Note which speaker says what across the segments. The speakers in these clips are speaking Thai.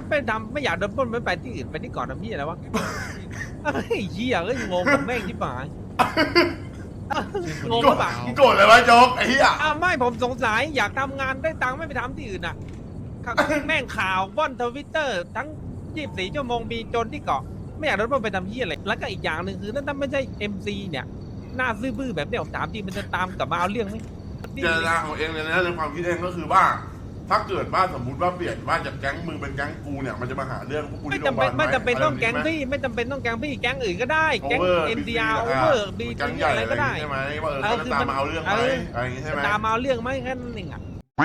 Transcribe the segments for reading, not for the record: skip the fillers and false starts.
Speaker 1: ไปทำไม่อยากโดนปล้นไม่ไปที่อื่นไปที่เกาะทำพี่อะไรวะไอ้เหี้ยเอ้ยงงกับแม่งที่ป่ายงงกับป่า
Speaker 2: โกรธเลยวะโจ๊กไอ้เหี้ย
Speaker 1: ไม่ผมสงสัยอยากทำงานได้ตังค์ไม่ไปทำที่อื่นอ่ะแม่งข่าวว่อนทวิตเตอร์ทั้ง24 ชั่วโมงมีโจรที่เกาะไม่อยากโดนปล้นไปทำเหี้ยอะไรแล้วก็อีกอย่างหนึ่งคือถ้าไม่ใช่ MC เนี่ยหน้าซื่อบื้อแบบเนี้ยผมถามจริงมันจะตามกลับมาเอาเรื่องไหม
Speaker 2: เจตนาของเองเลยนะในความคิดเองก็คือว่า ถ้าเกิดว่าสมมติว่าเปลี่ยนว่าจากแก๊งมึงเป็นแก๊งกูเนี่ยมันจะมาหาเรื่องพวกกู
Speaker 1: ไม่
Speaker 2: ที่โรงพ
Speaker 1: จำ
Speaker 2: ยา
Speaker 1: เป็น
Speaker 2: บาล
Speaker 1: ไม่จำเป็นต้อง
Speaker 2: ะไร
Speaker 1: แก๊ง
Speaker 2: แบบนี้
Speaker 1: พี่ไม่จำเป็นต้องแก๊งพี่แก๊งอื่นก็ได้
Speaker 2: ไหม
Speaker 1: แก๊ง
Speaker 2: Over
Speaker 1: NDR
Speaker 2: BC
Speaker 1: over บี
Speaker 2: แก๊งใหญ่อะไรอย่างงี้ใช่ไหมว่าเขาจะตามมาเอาเรื่องไหมอะไรอย่างงี้ใช่ไหม
Speaker 1: ตามมาเอาเรื่องไหมแค่นั้นเองอ่ะ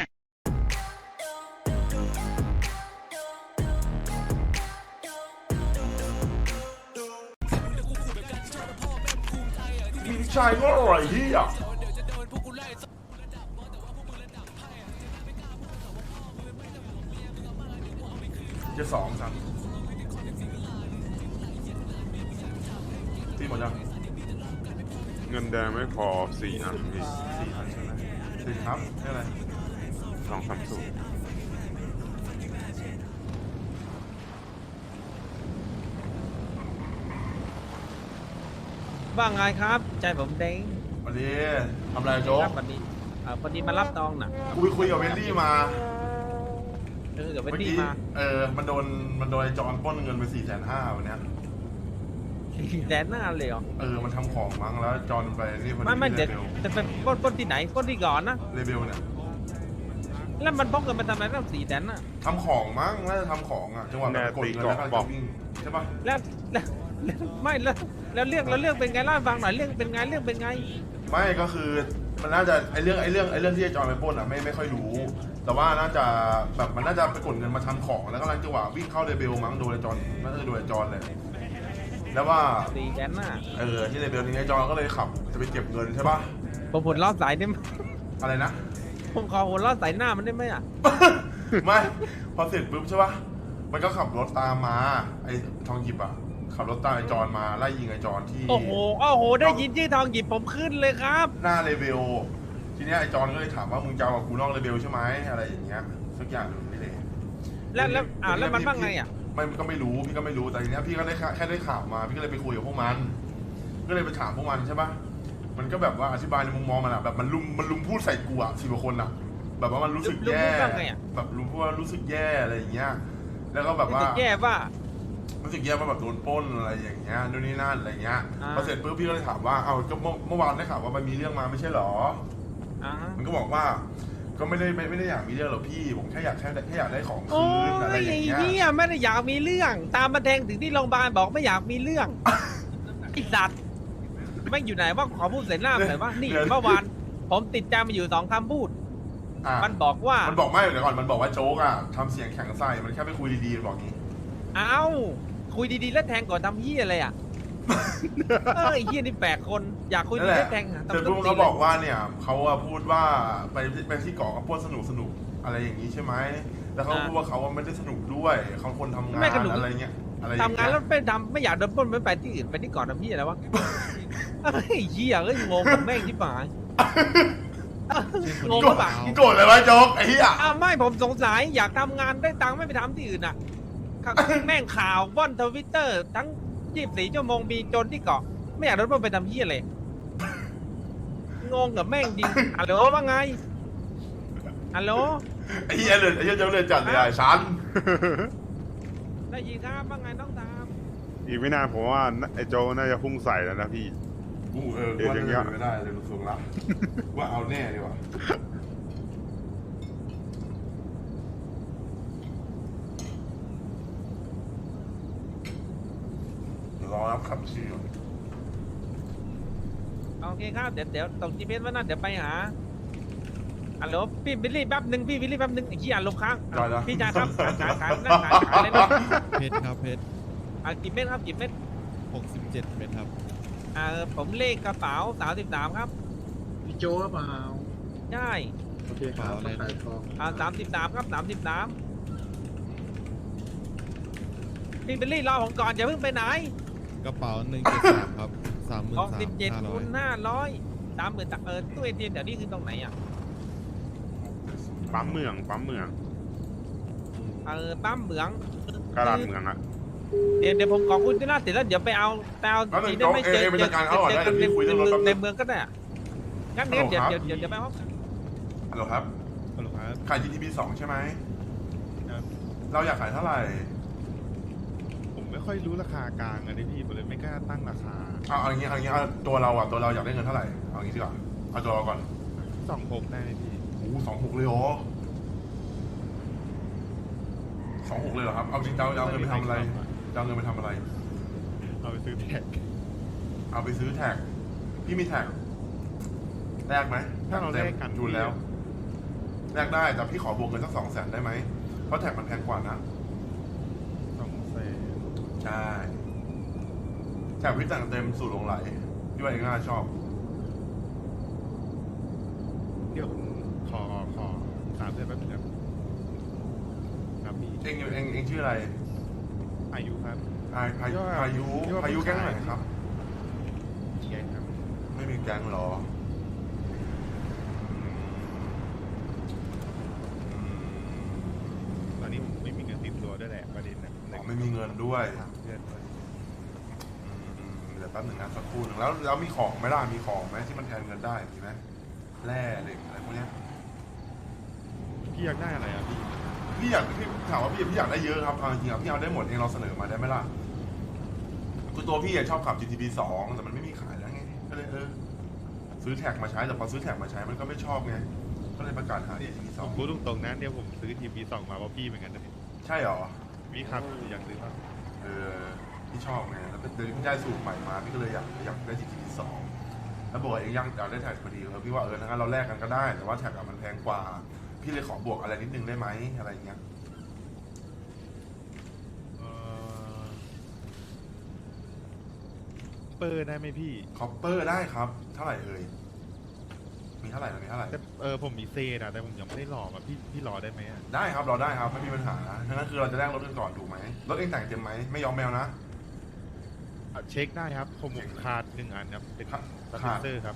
Speaker 2: พี่ชายก็อร่อยเหี้ยจะ2-3พี่หมดยัง
Speaker 3: เงินแดงไม่พอ4 อันพี่
Speaker 2: 4 อันใช่ไหม4ครับใช่อะไร
Speaker 3: 230
Speaker 1: ว่าไงครับใจผมเด้ง
Speaker 2: วันนี้ทำอะไรโจ๊ก
Speaker 1: ครับวันนี้พอดีมารับตองน่ะ
Speaker 2: กูไปคุยกับเวนดี้มา
Speaker 1: เดี๋ยวไป
Speaker 2: เมื่อ
Speaker 1: ดี
Speaker 2: กี้
Speaker 1: มา
Speaker 2: มันโดนไอ้จอนปล้นเงินไป450,000วันเนี้ย
Speaker 1: แดนหน้าเลยเหรอ
Speaker 2: มันทำของมั้งแล้วจอนไปนี่พอดี
Speaker 1: ไม่เด็ด
Speaker 2: เรเบล
Speaker 1: จะเป็นปล้นที่ไหนปล้นที่ก่อนนะ
Speaker 2: เรเบลเนี่ย
Speaker 1: แล้วมันพกเงินมาทำอะไรตั้ง4 แสนน่ะ
Speaker 2: ทำของมั้งน่าจะทำของอ่ะจังหวะแบบกดเงินแล้วก็จะวิ่งใช่ปะ
Speaker 1: แล้วไม่แล้วเรื่องเป็นไงเล่าให้ฟังหน่อยเรื่องเป็นไง
Speaker 2: ไม่ก็คือมันน่าจะไอเรื่องที่ไอ้จอนไปปล้นอ่ะไม่ค่อยรู้ แต่ว่าน่าจะแบบมันน่าจะไปกดเงินมาทำของแล้วกำลังจังหวะวิ่งเข้าเรเบลมั้งโดนไอ้จอนน่าจะโดนไอ้จอนเลยแล้วว่า
Speaker 1: 4 แสนน่ะ
Speaker 2: ที่เรเบลนี้ไอ้จอนก็เลยขับจะไปเก็บเงินใช่ปะ
Speaker 1: ผมผลรอดสายได้ไหม
Speaker 2: อะไรนะ
Speaker 1: ผมขอผลรอดสายหน้ามันได้ไหมอ่ะ
Speaker 2: ไม่พอเสร็จปุ๊บใช่ปะมันก็ขับรถตามมาไอ้ทองหยิบอ่ะขับรถตามไอ้จอนมาไล่ยิงไอ้จอนที่
Speaker 1: โอ้โหได้ยินชื่อทองหยิบผมขึ้นเลยครับ
Speaker 2: หน้าเลเวลทีเนี้ยไอ้จอนก็เลยถามว่ามึงจะเอากับกูนอกเลเวลใช่ไหมอะไรอย่างเงี้ยสักอย่างหนึ่งนี่เลย
Speaker 1: แล้วมันว่าไงอ่ะ
Speaker 2: ไม่ก็ไม่รู้พี่ก็ไม่รู้แต่ทีเนี้ยพี่ก็ได้แค่ได้ข่าวมาพี่ก็เลยไปคุยกับพวกมัน ก็เลยไปถามพวกมันใช่ปะมันก็แบบว่าอธิบายในมุมมองมันอะแบบมันลุมพูดใส่กูอะ10 กว่าคนอะแบบว่ามันรู้สึกแย่
Speaker 1: ลุมพูดว่าไงอะ
Speaker 2: แบบลุมพูดว่ารู้สึกแย่อะไรอย่างเงี้ยแล้วก็แบบว่า
Speaker 1: แย่ว่า
Speaker 2: รู้สึกแย่ว่าแบบโดนปล้นอะไรอย่างเงี้ยนู่นนี่นั่นอะไรเงี้ย
Speaker 1: อ่า
Speaker 2: พอเสร็จปุ๊บพี่ก็เลยถามว่าเอาก็เมื่อวานได้ข่าวว่ามันมีเรื่องมาไม่ใช่หรอ มันก็บอกว่าก็ไม่ได้อยากมีเรื่องหรอกพี่ผมแค่อยากได้ของ
Speaker 1: โอ้
Speaker 2: คืนอะไร
Speaker 1: ย
Speaker 2: อย่างเงี้ย
Speaker 1: เนี่ยไม่ได้อยากมีเรื่อง ตามมาแทงถึงที่โรงพยาบาลบอกไม่อยากมีเรื่อง ไอ้สัตว์ไม่งอยู่ไหนว่าขอพูดใส่หน้าหน่อยว่านี่เมื่อวานผมติดใจมาอยู่2 คำพูด
Speaker 2: อ่ะ
Speaker 1: มันบอกว่า
Speaker 2: มันบอกไม่เดี๋ยวก่อนมันบอกว่าโจ๊กอ่ะทำเสียงแข็งใส่มันแค่ไปคุยดีๆมันบอกงี้
Speaker 1: เอ้าคุยดีๆแล้วแทงก่อนทำเหี้ยอะไรอ่ะ เอ้ยเหี้ยนี่8 คนอยากคุย
Speaker 2: นั่
Speaker 1: ดี
Speaker 2: นแห
Speaker 1: แล้
Speaker 2: ละ
Speaker 1: วแทงอะ
Speaker 2: เสร็จปุ๊บมันก็บอกว่าเนี่ยเขาอะพูดว่าไปที่เกาะก็ปล้นสนุกอะไรอย่างนี้ใช่ไหมแล้วเขาพูดว่าเขาไม่ได้สนุกด้วยเขาคนทำงานอะไรเงี้ยอะไรอย่
Speaker 1: ทำงานแล้วไม่อยากโดนปล้นไม่ไปที่อื่นไปที่เกาะทำเหี้ยอะไรวะเอ้ยเหี้ยเอ้ยงงกับแม่งที่ป่ายงงกับป่า
Speaker 2: โกรธเลยวะโจ๊กไอ้เหี้ย
Speaker 1: ไม่ผมสงสัยอยากทำงานได้ตังค์ไม่ไปทำที่อื่นอ่ะแม่งข่าวว่อนทวิตเตอร์ทั้ง24 ชั่วโมงมีโจรที่เกาะไม่อยากโดนปล้นไปทำเหี้ยอะไรงงกับแม่งจริงฮัลโหลว่าไงฮัลโหล
Speaker 2: ไอ้เหี้ยโจ๊กเลยจัดเลยไอ้ชัน
Speaker 1: ได้ยินครับว่าไงน้องตาม
Speaker 3: อีกไม่นานผมว่าไอ้โจน่าจะพุ่งใส่แล้วนะพี่
Speaker 2: กูว่าจะเป็นไม่ได้เลยรู้สึกละว่าเอาแน่ดีกว่า รอรับคำชี้ก่อน
Speaker 1: โอเคครับเดี๋ยวส่ง GPS ไว้นะเดี๋ยวไปหาฮัลโหลพี่บิลลี่แป๊บหนึ่งพี่บิลลี่แป๊บหนึ่งไอ้ขี้อ่านลมค้างพี่ชายครับขายเลยนะ
Speaker 4: เพชรครับเพชร
Speaker 1: กี่เม็ดครับกี่เม็ด
Speaker 4: 67 เม็ดครับ
Speaker 1: ผมเลขกระเป๋า33ครับ
Speaker 5: พี่โจหรือเปล่า
Speaker 1: ใช่
Speaker 5: โอเคครับขายทอง
Speaker 1: 33ครับ33พี่บิลลี่รอผมก่อนอย่าเพิ่งไปไหน
Speaker 4: กระเป๋า173 ครับ
Speaker 1: 67 คูณ
Speaker 4: 33,500
Speaker 1: 500 30,000ตู้ ATM แถวนี้คือตรงไหนอ่ะ
Speaker 3: ปั๊มเมือง
Speaker 1: ปั๊มเหมือง
Speaker 3: กาลาดเมืองอะ
Speaker 1: เดี๋ยวผมขอคุยที่หน้าเสร็จแล้วเดี๋ยวไปเอาทีได้ไม่เจอเจอกันในเมืองก็ได้งั้นเดี๋ยวไปห้อง
Speaker 2: ฮัลโหลครับ
Speaker 4: ฮัลโหลครับ
Speaker 2: ขาย GTB 2 ใช่ไหม
Speaker 4: ครับ
Speaker 2: เราอยากขายเท่าไหร่
Speaker 4: ผมไม่ค่อยรู้ราคากลางอะดิพี่ผมเลยไม่กล้าตั้งราคา
Speaker 2: เอาอย่างงี้เอาตัวเราอยากได้เงินเท่าไหร่ เอาอย่างงี้ดีกว่า เอาตัวเราก่อน
Speaker 4: 26ได้ไหมพี่
Speaker 2: โอ้26เลยเหรอ26เลยเหรอครับ เอาจริงจะเอาเงินไปทำอะไรจะเอาเงินไปทำอะไร
Speaker 4: เอาไปซื้อแท็ก
Speaker 2: เอาไปซื้อแท็ก พี่มีแท็กแลกไหม
Speaker 4: ถ้าเราแลกกัน
Speaker 2: จูนแล้วแลกได้แต่พี่ขอบวกเงินสัก200,000ได้ไหมเพราะแท็กมันแพงกว่านะ
Speaker 4: 200,000
Speaker 2: ใช่แท็กพี่แต่งเต็มสูตรหลงไหลพี่ว่าเองน่าชอบ
Speaker 4: เดี๋ยวผมขอถามเพื่อนแป๊บนึงครับครับพี่
Speaker 2: เองชื่ออะไร
Speaker 4: อายุครับ
Speaker 2: พายุแก๊งไหนครับ
Speaker 4: แกงครับ
Speaker 2: ไม่มีแก๊งหรออืม
Speaker 4: ตอนนี้ผมไม่มีเงินติดตัวด้วยแหละประเด็นนะ
Speaker 2: อ๋อไม่มีเงินด้วย
Speaker 4: ถามเพื่อนด้วย
Speaker 2: เดี๋ยวแป๊บหนึ่งนะสักครู่หนึ่งแล้วมีของไหมล่ะมีของไหมที่มันแทนเงินได้มีไหมแร่เหล็กอะไรพวกเนี้ย
Speaker 4: พี่อยากได้อะไรอ่ะพี่
Speaker 2: พี่ถามว่าพี่อยากได้เยอะครับเอาจริงๆพี่เอาได้หมดเองเราเสนอมาได้ไหมล่ะคือตัวพี่ชอบขับ GTB 2แต่มันไม่มีขายแล้วไงก็เลยซื้อแท็กมาใช้แต่พอซื้อแท็กมาใช้มันก็ไม่ชอบไงก็เลยประกาศหา GTB
Speaker 4: ผมพูดตรงๆนะเนี่ยผมซื้อทีวี2มาเพราะพี่เหมือนกันนะ
Speaker 2: 2ใช่หรอ
Speaker 4: พี่ครับอยากซื้อป่ะ
Speaker 2: พี่ชอบไงแล้วเดี๋ยวพี่ได้สูตรใหม่มาพี่ก็เลยอยากได้ GTB 2แล้วบอกว่าเองยังอยากได้แท็กพอดีพี่ว่างั้นเราแลกกันก็ได้แต่ว่าแท็กมันแพงกว่าพี่เลยขอบวกอะไรนิดนึงได้ไหมอะไรเงี้ย
Speaker 4: เปิดได้ไหมพี่
Speaker 2: คอปเปอร์ได้ครับเท่าไหร่มีเท่าไหร่
Speaker 4: แต่ผมมีเซนอะแต่ผมยังไม่ได้หลอกอะพี่รอได้ไหมอะ
Speaker 2: ได้ครับเราได้ครับไม่มีปัญหาทั้งนั้นคือเราจะแลกรถกันก่อนถูกไหมรถเองแต่งเต็มไหมไม่ยอมแมวนะ
Speaker 4: เช็คได้ครับผมขาด1อันครับเป็น
Speaker 2: ขาด
Speaker 4: สเปนเซอร์ครับ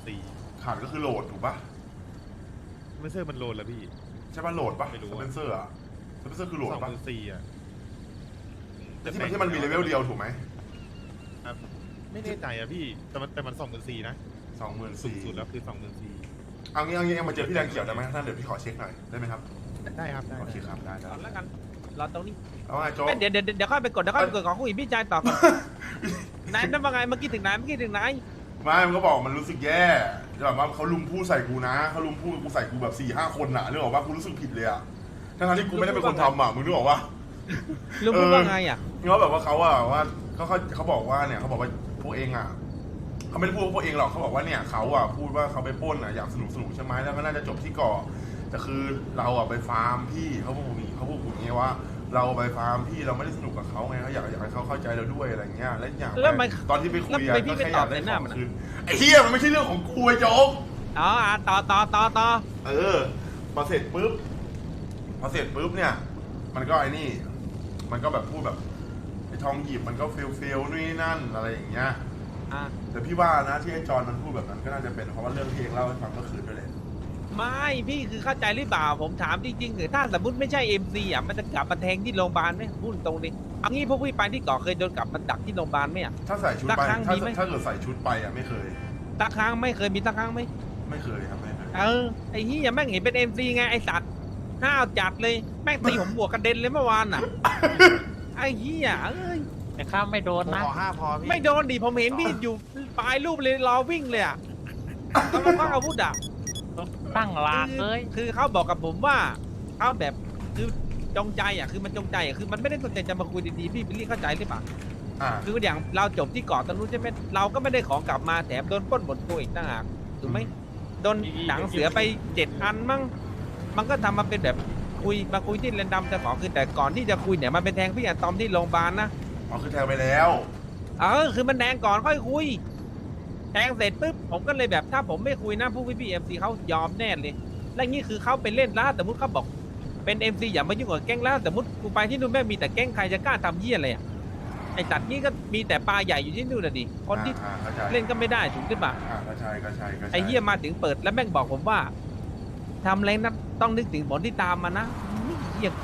Speaker 4: 2.4
Speaker 2: ขาดก็คือโหลดถูกปะ
Speaker 4: สเปนเซอร์มันโหลดแล้วพี่
Speaker 2: ใช่ปะโหลดปะ
Speaker 4: ไม่รู้
Speaker 2: ส
Speaker 4: อะ
Speaker 2: เปนเซอร์อะสเปนเซอร์คือโหลดปะ
Speaker 4: 2.4อะ
Speaker 2: ที่มันมีเลเวลเดียวถูกไหม
Speaker 4: ครับไม่แน่ใจอะพี่แต่มัน2.4นะสูงสุด
Speaker 2: 24,000
Speaker 4: แล้วคือ2.4
Speaker 2: เอางี้มาเจอพี่แดงเขียวได้ไหมท่านเดี๋ยวพี่ขอเช็คหน่อยได้ไหมครับ
Speaker 4: ได้ครับได้
Speaker 2: โอเคครับได้
Speaker 1: ก่อนแล้วกันรอตรงนี้
Speaker 2: เอาไงโจ๊ก
Speaker 1: เดี๋ยวค่อยไปกดของคุยพี่ชายต่อก่อนนายนั่นว่าไงเมื่อกี้ถึงไหน
Speaker 2: ไม่มันก็บอกมันรู้สึกแย่แบบว่าเขาลุมพูดใส่กูนะเขาลุมพูดกูใส่กูแบบ4-5 คนน่ะนึกออกว่ากูรู้สึกผิดเลยอะทั้งที่กูไม่ได้เป็นคนทำอะมึงนึกออกว่า
Speaker 1: ลุงพูดว่าไงอ่ะ
Speaker 2: เขาแบบว่าเขาอะว่าเขาบอกว่าเนี่ยเขาบอกว่าพวกเองอะเขาไม่ได้พูดว่าพวกเองหรอกเขาบอกว่าเนี่ยเขาอะพูดว่าเขาไปปล้นอะอยากสนุกใช่ไหมแล้วก็น่าจะจบที่ก่อแต่คือเราอะไปฟาร์มพี่เขาพูดอย่างนี้ว่า เราไปฟาร์มพี่เราไม่ได้สนุกกับเขาไงเขาอยากให้เขาเข้าใจเราด้วยอะไรเงี้ยและอย่างตอนที่ไปคุยอะก็แค่อยากได้ของคืนไอ้เหี้ยมันไม่ใช่เรื่องของกูไอ้โจ๊ก
Speaker 1: อ๋อต่อ
Speaker 2: พอเสร็จปุ๊บเนี่ยมันก็ไอ้นี่มันก็แบบพูดแบบไอ้ทองหยิบมันก็เฟลนู่นนี่นั่นอะไรอย่างเงี้ย แต่พี่ว่านะที่ไอ้จอนมันพูดแบบนั้นก็น่าจะเป็นเพราะว่าเรื่องที่เองเล่าให้ฟังเมื่อคืนด้วยแหละ
Speaker 1: ไม่พี่คือเข้าใจหรือเปล่าผมถามจริงๆหรือถ้าสมมติไม่ใช่ MC อ่ะมันจะกลับมาแทงที่โรงพยาบาลไหมพูดตรงดิเอางี้พวกพี่ไปที่เกาะเคยโดนกลับมาดักที่โรงพยาบาลไหมอ่ะ
Speaker 2: ถ้าใส่ชุดไป
Speaker 1: สักครั้งมีไหม
Speaker 2: ถ้าเกิดใส่ชุดไปอ่ะไม่เคย
Speaker 1: สักครั้งไม่เคยมีสักครั้งไหม
Speaker 2: ไม่เคยครับไม่เคย
Speaker 1: ไอ้เหี้ยแม่งเห็นเป็น MC ไงไอ้สัตว์ห้าวจัดเลยแม่งตีผมบวกกระเด็นเลยเมื่อวานอ่ะไอ้เหี้ย
Speaker 6: แต่ข้ามไม่โดนนะ
Speaker 5: ขอ5พอพี่
Speaker 1: ไม่โดนดิผมเห็นพี่อยู่ปลายรูปเลยรอวิ่งเลยอ่ะแล้วก็ควักอาวุธอ่ะ
Speaker 6: ตั้งหลากเลย
Speaker 1: คือเขาบอกกับผมว่าเขาแบบคือจงใจอ่ะคือมันจงใจอ่ะคือมันไม่ได้ตั้งใจจะมาคุยดีๆพี่บิลลี่เข้าใจหรือเปล่า คืออย่างเราจบที่เกาะตะลุใช่ไหมเราก็ไม่ได้ของกลับมาแถมโดนปล้นหมดตัวอีกต่างหากถูกไหมโดนหนังเสือไป7 อันมั้งมันก็ทำมาเป็นแบบมาคุยที่เรนดัมจะขอคือแต่ก่อนที่จะคุยเนี่ยมันเป็นแทงพี่อะตอมที่โรงพยาบาลนะ
Speaker 2: อ๋อคือแทงไปแล้ว
Speaker 1: คือมันแทงก่อนค่อยคุยแทงเสร็จปุ๊บผมก็เลยแบบถ้าผมไม่คุยนะผู้พี่เอ็มซีเขายอมแน่เลยและนี่คือเขาไปเล่นแล้วแต่มุดเขาบอกเป็น MC อย่ามายุ่งกับแก๊งแล้วแต่มุดกูไปที่นู่นแม่มีแต่แก๊งใครจะกล้าทำเหี้ยอะไรอ่ะไอ้จัดนี่ก็มีแต่ปลาใหญ่อยู่ที่นู่นน่ะดิคนที่
Speaker 2: เข้าใจ
Speaker 1: เล่นก็ไม่ได้ถูกหรือเปล่า
Speaker 2: ก็ใช่
Speaker 1: ไอ้เหี้ยมาถึงเปิดแล้วแม่งบอกผมว่าทำอะไรนะต้องนึกถึงผลที่ตามมานะเหี้ยใจ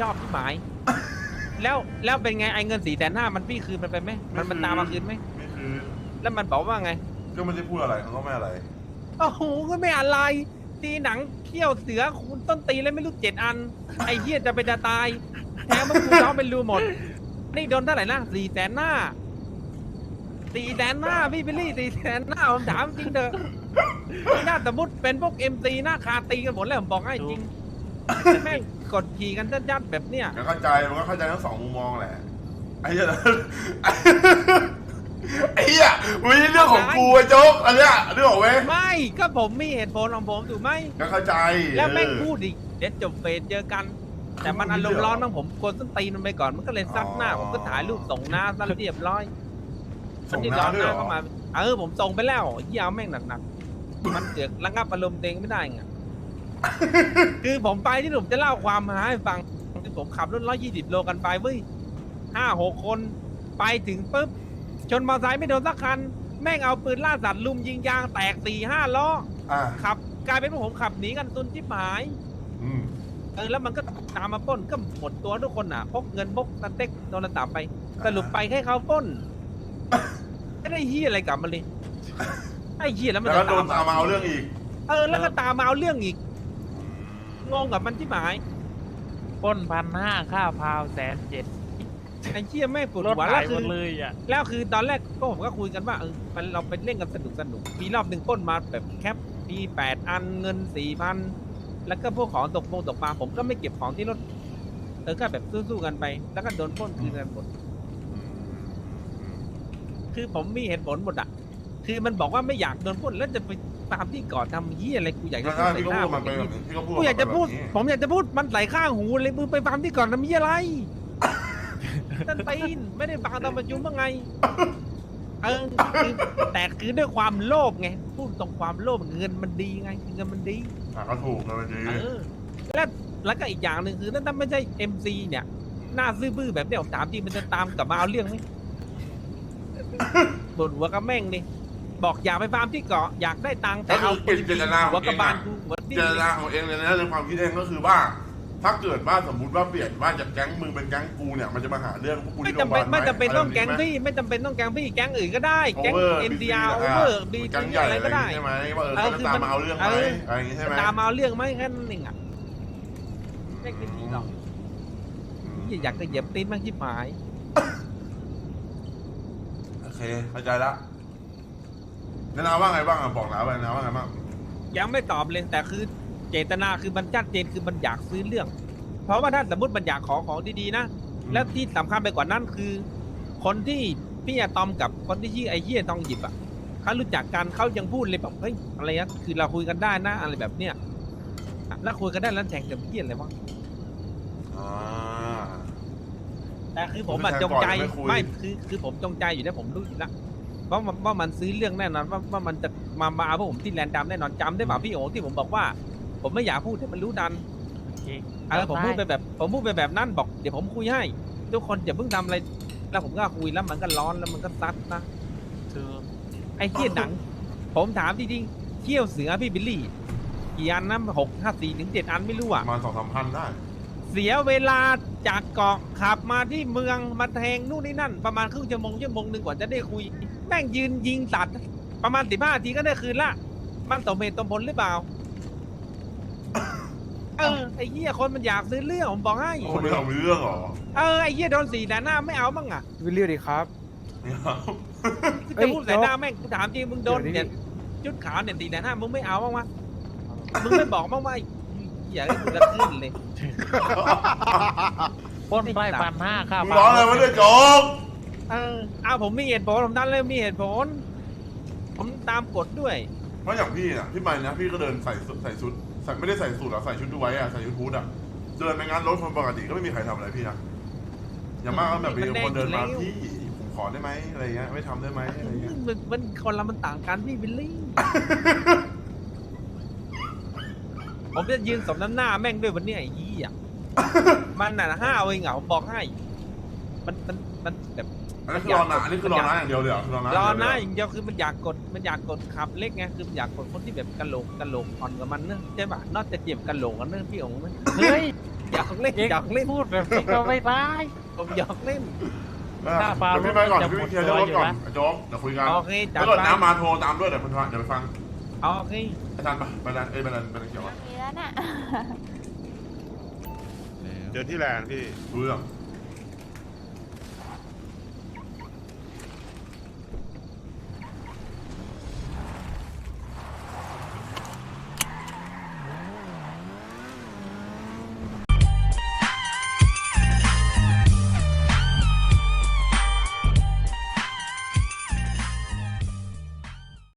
Speaker 1: ชอบที่หมาย แล้วเป็นไงไอ้เงิน450,000มันพี่คืนมันไปไหมมันตามมาคืนไหม
Speaker 2: ไม่คือ
Speaker 1: แล้วมันบอกว่าไง
Speaker 2: ก็ไม่ได้พูดอะไรเขาก็ไม่อะไร
Speaker 1: โอ้โหก็ไม่อะไร ตีหนังเขี้ยวเสือคุณต้นตีเลยไม่รู้7 อัน ไอ้เหี้ยจะไปจะตายแถมมันกูท้องเป็นรูหมด นี่โดนเท่าไหร่นะ400,000 หน้า400,000 หน้าพี่บิลลี่400,000 หน้าผมถามจริงเถอะนี่น่าสมมติเป็นพวก MC หน้าคาตีกันหมดแล้วผมบอกให้จริงแม่งกดขี่กันยัดๆแบบเนี้ย
Speaker 2: ก็เข้าใจมันก็เข้าใจทั้งสองมุมมองแหละไอ้เหี้ย ไอ้เหี้ยมันไม่ใช่เรื่องของกูไอ้โจ๊กอันเนี้ยเรื่องของเว้ย
Speaker 1: ไม่ก็ผมมีเหตุผลของผมถูกไหม
Speaker 2: ก็เข้าใจ
Speaker 1: แล้วแม่งพูดอีกเดี๋ยวจบเฟสเจอกัน แต่มันอารมณ์ร้อนมั้งผมกดส้นตีนมันไปก่อนมันก็เลยซัดหน้าผมก็ถ่ายรูปส่งหน้าซะเรียบร้อย
Speaker 2: ส่ง
Speaker 1: ที่
Speaker 2: ห
Speaker 1: ร้
Speaker 2: น้า
Speaker 1: อน
Speaker 2: ด้วย
Speaker 1: ห
Speaker 2: เหร
Speaker 1: น้า
Speaker 2: อ
Speaker 1: เข้ามาผมส่งไปแล้วเหี้ยเอาแม่งหนักๆมันเกิดระงับอารมณ์ตัวเองไม่ได้ไง คือผมไปที่ผมจะเล่าความมาให้ฟังคือผมขับรถ120 โลกันไปเว้ย5-6 คนไปถึงปุ๊บชนมอเตอร์ไซค์ไม่โดนสักคัน แม่งเอาปืนล่าสัตว์ลุมยิงยางแตก4-5 ล้อ
Speaker 2: อ่ะ
Speaker 1: ขับกลายเป็นว่าผมขับหนีกันตุนชิบหาย
Speaker 2: อืม
Speaker 1: แล้วมันก็ตามมาปล้นก็หมดตัวทุกคนอ่ะพกเงินพกสเต็กโดนตามไป สรุปไปแค่เขาปล้นไม่ได้เฮียอะไรกลับมาเลยไอ้เฮียแล้วมัน
Speaker 2: แล้ว
Speaker 1: จะ
Speaker 2: ก็โดนตามมาเอาเรื่องอีก
Speaker 1: แล้วก็ตามมาเอาเรื่องอีกงงกับมันที่หมาย
Speaker 6: ปล้น1,500ค่าพาว170,000
Speaker 1: ไอ้เฮียแม่งปวด
Speaker 6: รถ
Speaker 1: หัว
Speaker 6: หา
Speaker 1: แล้
Speaker 6: ยว ห
Speaker 1: คื
Speaker 6: ม
Speaker 1: อ
Speaker 6: ดเลยอ่ะ
Speaker 1: แล้วคือตอนแรกก็ผมก็คุยกันว่ามันเราไปเล่นกันสนุกมีรอบหนึ่งปล้นมาแบบแคปมี8 อันเงิน 4,000 แล้วก็พวกของตกปลาผมก็ไม่เก็บของที่รถก็แบบสู้ๆกันไป แล้วก็โดนปล้นคืนกันหมด คือผมมีเหตุผลหมดอ่ะ คือมันบอกว่าไม่อยากโดนปล้นแล้วจะไปตามที่ก่อนทำเหี้ยอะไรกูอยากจะพูด
Speaker 2: พี่
Speaker 1: ใส่
Speaker 2: ก็
Speaker 1: หน้า
Speaker 2: พูด
Speaker 1: มั
Speaker 2: มัน นไปแบบนี้พี่ก็พูด
Speaker 1: กูอยากจะพูด
Speaker 2: แบบนี้
Speaker 1: ผมอยากจะพูดมันไหลข้างหูเลยมึงไปฟาร์มที่ก่อนทำเหี้ยอะไรนั่นตีนไม่ได้ฟังตอนประชุมว่าไงคือแต่คือด้วยความโลภไงพูดตรงความโลภเงินมันดีไงเงินมันดี
Speaker 2: ก็ถูกนะจริง
Speaker 1: แล้วก็อีกอย่างหนึ่งคือถ้าไม่ใช่ MC เนี่ยหน้าซื่อบื้อแบบเนี้ยผมถามจริงมันจะตามกลับมาเอาเรื่องไหมบ่นหัวกับแม่งนี่บอกอยากไปฟาร์มที่เกาะอยากได้ตังค์แต่เอาปืน
Speaker 2: เจตนาข
Speaker 1: หั
Speaker 2: อ
Speaker 1: ว
Speaker 2: ง
Speaker 1: ก
Speaker 2: เอ
Speaker 1: ระ
Speaker 2: ง
Speaker 1: บาล
Speaker 2: อะ
Speaker 1: กูหัวดิ้
Speaker 2: เจ
Speaker 1: น
Speaker 2: ตนาของเองเลยนะในความคิดเองก็คือว่า ถ้าเกิดว่าสมมติว่าเปลี่ยนว่าจากแก๊งมึงเป็นแก๊งกูเนี่ยมันจะมาหาเรื่องพวกกู
Speaker 1: ไม่
Speaker 2: ที่โรงพ
Speaker 1: จำ
Speaker 2: ยา
Speaker 1: เป็น
Speaker 2: บาล
Speaker 1: ไม่จำเป็นต้องแก๊ง
Speaker 2: อะไรแบบนี้
Speaker 1: พี่ไม่จำเป็นต้องแก๊งพี่แก๊งอื่นก็ได้แก๊ง
Speaker 2: Over
Speaker 1: NDR
Speaker 2: BC
Speaker 1: over B
Speaker 2: แก๊งใหญ่
Speaker 1: อะไรก็ได้
Speaker 2: ใช่ไหมว่าเขาจะตามมาเอาเรื่องไหมอะไรอย่างงี้ใช่ไหม
Speaker 1: ตามมาเอาเรื่องไหมแค่นั้นเองอ่ะไม่เป็นไรหรอกอยากจะเหยียบตีนมากที่หมาย
Speaker 2: โอเคเข้าใจละนาว่าไงบ้างอ่ะบอกแล้วไปนาว่าไงบ้าง
Speaker 1: ยังไม่ตอบเลยแต่คือเจตนาคือมันชัดเจนคือมันอยากซื้อเรื่อง เพราะว่าถ้าสมมติมันอยากขอของดีๆนะแล้วที่สำคัญไปกว่านั้นคือ คนที่พี่อะตอมกับคนที่ชื่อไอ้เหี้ยทองหยิบอ่ะเขารู้จักกันเขายังพูดเลยแบบเฮ้ยอะไรนะคือเราคุยกันได้นะอะไรแบบเนี้ยแล้วคุยกันได้แล้วแทงกับเหี้ยอะไรวะ
Speaker 2: อ่า
Speaker 1: แต่คือผมอะจงใจไม่คือผมจงใจอยู่แล้วผมรู้อยู่แล้วว่ามันซื้อเรื่องแน่นอนว่ามันจะมาเอาพวกผมที่แลนด์ดำแน่นอนจำได้ป่ะพี่โอ๋ที่ผมบอกว่า ผมไม่อยากพูดให้มันรู้ดัน
Speaker 6: โอเค
Speaker 1: ผมพูดไปแบบนั้นบอกเดี๋ยวผมคุยให้ ทุกคนอย่าเพิ่งทำอะไรแล้วผมก็คุยแล้วมันก็ร้อนแล้วมันก็ซัดนะ
Speaker 6: คือ
Speaker 1: ไอ้เหี้ยหนัง ผมถามจริงๆเที่ยวเสือพี่บิลลี่กี่อันนะ6-5-4-7 อันไม่รู้
Speaker 2: ป
Speaker 1: อ่ะ
Speaker 2: ระมาณ2-3 พันได้
Speaker 1: เสียเวลาจากเกาะขับมาที่เมืองมาแทงนู่นนี่นั่น ประมาณครึ่งชั่วโมงหนึ่งกว่าจะได้คุย แม่งยืนยิงสัตว์ประมาณ15 นาทีก็ได้คืนละมันสมเหตุสมผลหรือเปล่าไอ้เหี้ยคนมันอยากซื้อเรื่องผมบอกให้
Speaker 2: คนไม่เอาเรื่องหรอ
Speaker 1: ไอ้เหี้ยโดน4 หน้าไม่เอาบ้างอ่ะ
Speaker 5: วิลลี่ดีครับ
Speaker 2: ไม่เอา
Speaker 1: จะพูดใส่หน้าแม่งกูถามจริงมึงโดน
Speaker 5: เดี๋
Speaker 1: เนี่ย
Speaker 5: ยวนี้
Speaker 1: ชุดขาวเนี่ย4 หน้ามึงไม่เอาบ้างวะมึงไม่บอกบ้างว่าอย่าให้กูจะขึ้นเลย
Speaker 6: ปล้นไป1,500ค่า
Speaker 2: มึง
Speaker 6: พาว
Speaker 2: ร้องอะไรวะเนี่ยโจ๊ก
Speaker 1: ผมมีเหตุผลผมดันเลยมีเหตุผล ผมตามกฎด้วย
Speaker 2: เพราะอย่างพี่น่ะพี่ไปนะพี่ก็เดินใส่ชุดไม่ได้ใส่สูทหรอใส่ชุดดูไว้อะใส่ชุดฮูดอะเดินไปงานรถคนปกติก็ไม่มีใครทำอะไรพี่นะอย่างมากก็แบบมีคนเดินมาพี่ผมขอได้ไหมอะไรเงี้ยไม่ทำได้ไหมอะไรเงี้ย
Speaker 1: มันคนละมันต่างกันพี่บิลลี่ ผมจะยืนสมน้ำหน้าแม่งด้วยวันนี้ไอ้ยี่อ่ะ มันน่ะ5เองผมบอกให้ มันแบบ
Speaker 2: อันนี้คือรอนะอันนี้คือรอนะอย่างเดียวเลยเหรอคือรอนะ
Speaker 1: รอหน้าอย่างเดียวคือมันอยากกดขับเล็กไงคือมันอยากกดคนที่แบบกะโหลกอ่อนกับมันเนอะใช่ป่ะนอกจากเจ็บกะโหลกกันเนอะพี่องค์นะ
Speaker 6: เฮ้ย
Speaker 1: หยอกเล่น
Speaker 6: เอ็ง
Speaker 1: หยอกเล่น
Speaker 6: พูดแบบนี้ก็ไม่ได้
Speaker 1: ผมหยอกเล่น
Speaker 6: ถ้าฟาร์ม
Speaker 2: เดี๋ยวพี่ไปก่อน
Speaker 6: จะ
Speaker 2: เดี๋ยว
Speaker 6: หม
Speaker 2: พี่
Speaker 6: ด
Speaker 2: เคลียร์เรื่องรถก่อน
Speaker 6: ตัวอยู่นะ
Speaker 2: ไอ้โจ๊กเดี๋ยวคุยกัน
Speaker 1: โอเคจัด
Speaker 2: ถ้าเกิด
Speaker 1: ไป
Speaker 2: น้ำมาโทรตามด้วยเดี๋ยวเดี๋ยวไปฟัง
Speaker 1: โอเค
Speaker 2: ไอ้ทันปะไปร้านไปร้านเขียวอะ
Speaker 7: มีแล้วน่ะ
Speaker 3: เจอที่แลนด์พี่
Speaker 2: รู้เรื่อง
Speaker 7: อ